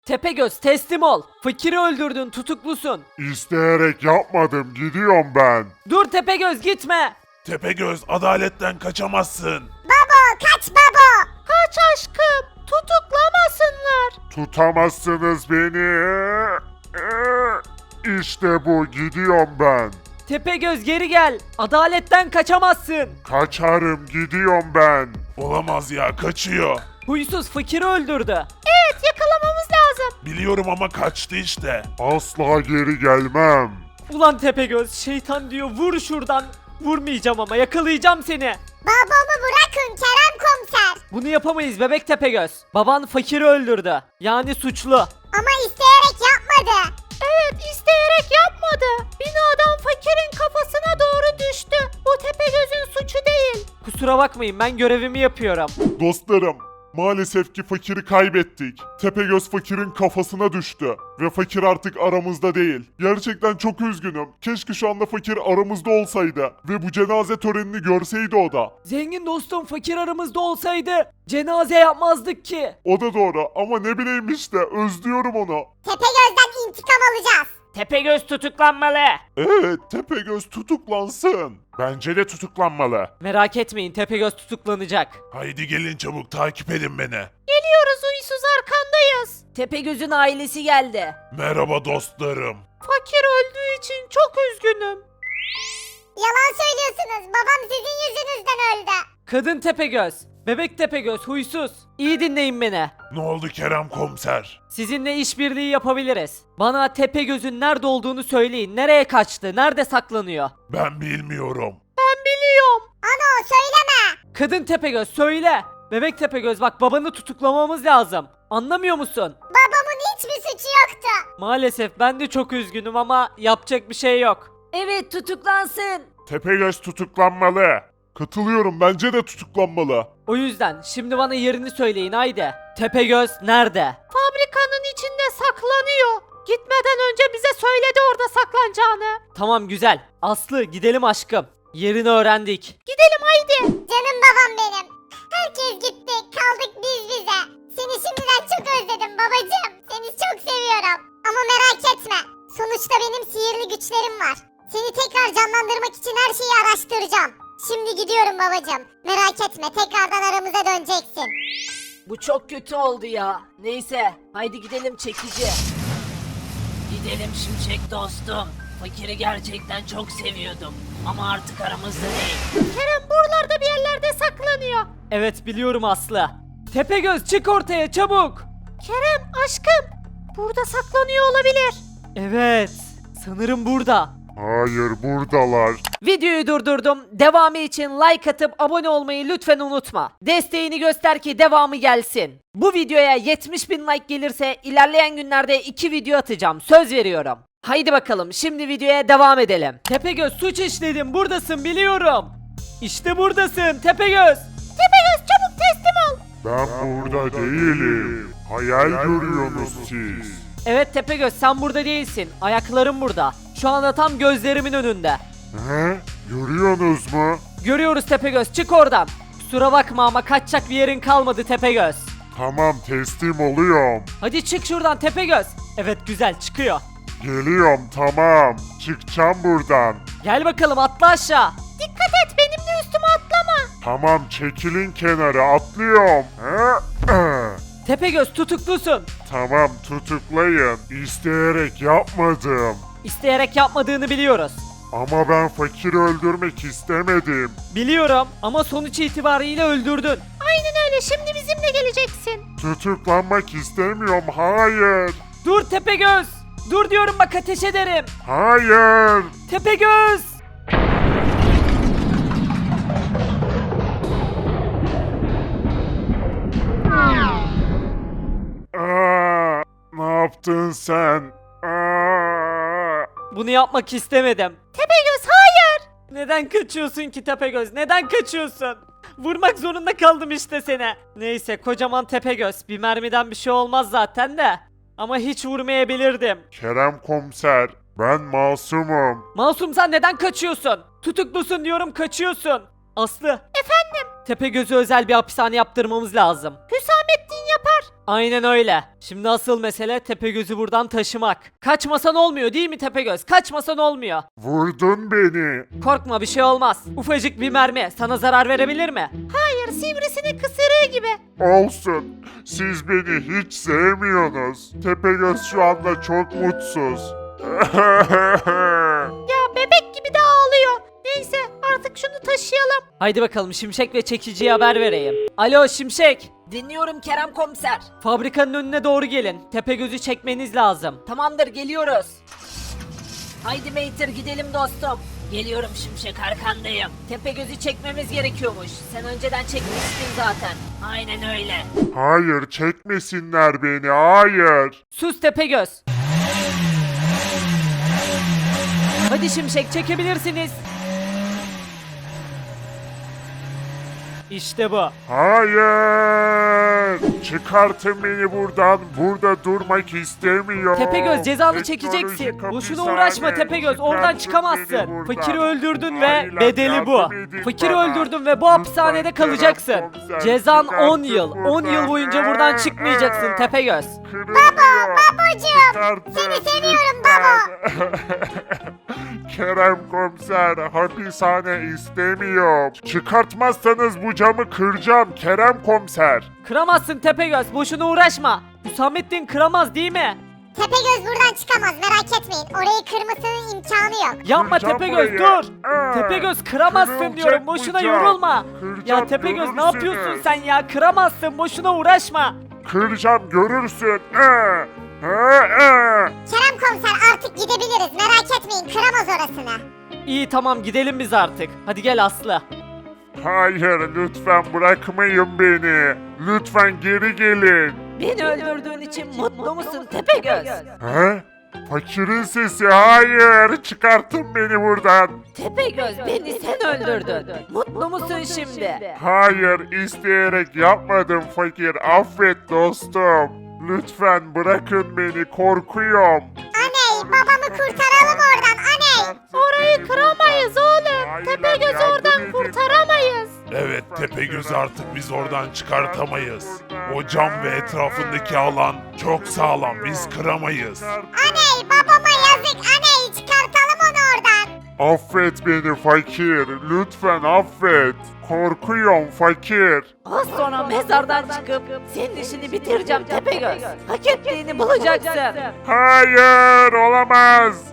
Tepegöz teslim ol. Fakiri öldürdün, tutuklusun. İsteyerek yapmadım, gidiyorum ben. Dur Tepegöz, gitme. Tepegöz, adaletten kaçamazsın. Baba kaç baba. Kaç aşkım, tutuklamasınlar. Tutamazsınız beni. İşte bu, gidiyorum ben. Tepegöz geri gel. Adaletten kaçamazsın. Kaçarım, gidiyorum ben. Olamaz ya, kaçıyor. Huysuz fakiri öldürdü. Evet, yakalamamız lazım. Biliyorum ama kaçtı işte. Asla geri gelmem. Ulan Tepegöz, şeytan diyor, vur şuradan. Vurmayacağım ama yakalayacağım seni. Babamı bırakın Kerem komiser. Bunu yapamayız bebek Tepegöz. Baban fakiri öldürdü. Yani suçlu. Ama isteyerek yapmadı. Evet, isteyerek yapmadı. Binadan fakirin kafasına doğru düştü. Bu Tepegöz'ün suçu değil. Kusura bakmayın, ben görevimi yapıyorum. Dostlarım, maalesef ki fakiri kaybettik. Tepegöz fakirin kafasına düştü. Ve fakir artık aramızda değil. Gerçekten çok üzgünüm. Keşke şu anda fakir aramızda olsaydı. Ve bu cenaze törenini görseydi o da. Zengin dostum, fakir aramızda olsaydı cenaze yapmazdık ki. O da doğru ama ne bileyim işte, özlüyorum onu. Tepegöz'den intikam alacağız. Tepegöz tutuklanmalı. Evet, Tepegöz tutuklansın. Bence de tutuklanmalı. Merak etmeyin, Tepegöz tutuklanacak. Haydi gelin çabuk, takip edin beni. Geliyoruz, uysuz arkandayız. Tepegöz'ün ailesi geldi. Merhaba dostlarım. Fakir öldüğü için çok üzgünüm. Yalan söylüyorsunuz. Babam sizin yüzünüzden öldü. Kadın Tepegöz, bebek Tepegöz, huysuz. İyi dinleyin beni. Ne oldu Kerem komiser? Sizinle işbirliği yapabiliriz. Bana Tepegöz'ün nerede olduğunu söyleyin. Nereye kaçtı? Nerede saklanıyor? Ben bilmiyorum. Ben biliyorum. Ano söyleme. Kadın Tepegöz söyle. Bebek Tepegöz, bak babanı tutuklamamız lazım. Anlamıyor musun? Babamın hiçbir suçu yoktu. Maalesef ben de çok üzgünüm ama yapacak bir şey yok. Evet, tutuklansın. Tepegöz tutuklanmalı. Katılıyorum, bence de tutuklanmalı. O yüzden şimdi bana yerini söyleyin haydi. Tepegöz nerede? Fabrikanın içinde saklanıyor. Gitmeden önce bize söyledi orada saklanacağını. Tamam güzel. Aslı gidelim aşkım. Yerini öğrendik. Gidelim haydi. Canım babam benim. Herkes gitti. Kaldık biz bize. Seni şimdiden çok özledim babacığım. Seni çok seviyorum. Ama merak etme. Sonuçta benim sihirli güçlerim var. Seni tekrar canlandırmak için her şeyi araştıracağım. Şimdi gidiyorum babacığım. Merak etme, tekrardan aramıza döneceksin. Bu çok kötü oldu ya. Neyse haydi gidelim çekici. Gidelim Şimşek dostum. Fakiri gerçekten çok seviyordum. Ama artık aramızda değil. Kerem buralarda bir yerlerde saklanıyor. Evet biliyorum Aslı. Tepegöz çık ortaya çabuk. Kerem aşkım. Burada saklanıyor olabilir. Evet. Sanırım burada. Hayır, buradalar. Videoyu durdurdum. Devamı için like atıp abone olmayı lütfen unutma. Desteğini göster ki devamı gelsin. Bu videoya 70.000 like gelirse ilerleyen günlerde 2 video atacağım. Söz veriyorum. Haydi bakalım şimdi videoya devam edelim. Tepegöz suç işledim. Buradasın biliyorum. İşte buradasın Tepegöz. Tepegöz çabuk teslim ol. Ben burada değilim. Hayal görüyorsunuz siz. Evet Tepegöz sen burada değilsin. Ayakların burada. Şu anda tam gözlerimin önünde. He? Görüyorsunuz mu? Görüyoruz Tepegöz, çık oradan. Kusura bakma ama kaçacak bir yerin kalmadı Tepegöz. Tamam, teslim oluyorum. Hadi çık şuradan Tepegöz. Evet güzel çıkıyor. Geliyorum, tamam. Çıkacağım buradan. Gel bakalım atla aşağı. Dikkat et benimle üstüme atlama. Tamam, çekilin kenara, atlıyorum. Tepegöz tutuklusun. Tamam, tutuklayın. İsteyerek yapmadım. İsteyerek yapmadığını biliyoruz. Ama ben fakiri öldürmek istemedim. Biliyorum ama sonuç itibariyle öldürdün. Aynen öyle, şimdi bizimle geleceksin. Tutuklanmak istemiyorum, hayır. Dur Tepegöz. Dur diyorum bak ateş ederim. Hayır. Tepegöz. Aa, ne yaptın sen? Aa. Bunu yapmak istemedim. Tepegöz hayır. Neden kaçıyorsun ki Tepegöz? Neden kaçıyorsun? Vurmak zorunda kaldım işte seni. Neyse kocaman Tepegöz. Bir mermiden bir şey olmaz zaten de. Ama hiç vurmayabilirdim. Kerem komiser, ben masumum. Masum sen neden kaçıyorsun? Tutuklusun diyorum kaçıyorsun. Aslı. Efendim? Tepegöz'ü özel bir hapishane yaptırmamız lazım. Hüsamettin yapar. Aynen öyle. Şimdi asıl mesele Tepegöz'ü buradan taşımak. Kaçmasan olmuyor değil mi Tepegöz? Kaçmasan olmuyor. Vurdun beni. Korkma bir şey olmaz. Ufacık bir mermi sana zarar verebilir mi? Hayır sivrisinek ısırığı gibi. Olsun. Siz beni hiç sevmiyorsunuz. Tepegöz şu anda çok mutsuz. Ya bebek gibi de ağlıyor. Neyse artık şunu taşıyalım. Haydi bakalım Şimşek ve Çekici'ye haber vereyim. Alo Şimşek. Dinliyorum Kerem komiser. Fabrikanın önüne doğru gelin. Tepegöz'ü çekmeniz lazım. Tamamdır geliyoruz. Haydi Mater gidelim dostum. Geliyorum Şimşek arkandayım. Tepegöz'ü çekmemiz gerekiyormuş. Sen önceden çekmiştin zaten. Aynen öyle. Hayır, çekmesinler beni. Hayır. Sus Tepegöz. Hadi Şimşek çekebilirsiniz. İşte bu. Hayır. Çıkartın beni buradan. Burada durmak istemiyorum. Tepegöz cezanı Teknolojik çekeceksin. Boşuna hapishane. uğraşma Tepegöz. Oradan Çıkartın çıkamazsın. beni buradan. Fakiri öldürdün ve Ailem bedeli bu. yardım edin Fakiri bana. öldürdün ve bu hapishanede Lütfen kalacaksın. Kerem komiser, Cezan çıkartın 10 yıl. 10 yıl buradan. boyunca buradan çıkmayacaksın Tepegöz. Babacığım, seni seviyorum baba. Kerem komiser, hapishane istemiyorum. Çıkartmazsanız bu camı kıracağım Kerem komiser. Kıramazsın Tepegöz. Boşuna uğraşma. Hüsamettin kıramaz değil mi? Tepegöz buradan çıkamaz merak etmeyin. Orayı kırmasının imkanı yok. Yapma Kıracağım Tepegöz burayı. dur. Tepegöz kıramazsın Kırılacak diyorum. bu Boşuna cam. yorulma. Kıracağım, Ya Tepegöz ne görürsünüz. yapıyorsun sen ya? Kıramazsın. Boşuna uğraşma. Kıracağım görürsün. Kerem komiser artık gidebiliriz merak etmeyin kıramaz orasını. İyi tamam gidelim biz artık. Hadi gel Aslı. Hayır, lütfen bırakmayın beni. Lütfen geri gelin. Beni öldürdüğün için mutlu musun Tepegöz? He? Fakirin sesi, hayır. Çıkartın beni buradan. Tepegöz beni sen öldürdün. Mutlu musun şimdi? Hayır, isteyerek yapmadım fakir. Affet dostum. Lütfen bırakın beni, korkuyorum. Aney babamı kurtaralım oradan aney. Orayı kıramayız oğlum. Tepegöz oradan kurtaramayız. Evet Tepegöz'ü artık biz oradan çıkartamayız. O cam ve etrafındaki alan çok sağlam, biz kıramayız. Aney babama yazık aney çıkartalım onu oradan. Affet beni fakir. Lütfen affet. Korkuyorum fakir. Az sonra mezardan çıkıp senin işini bitireceğim Tepegöz. Hak ettiğini bulacaksın. Hayır, olamaz.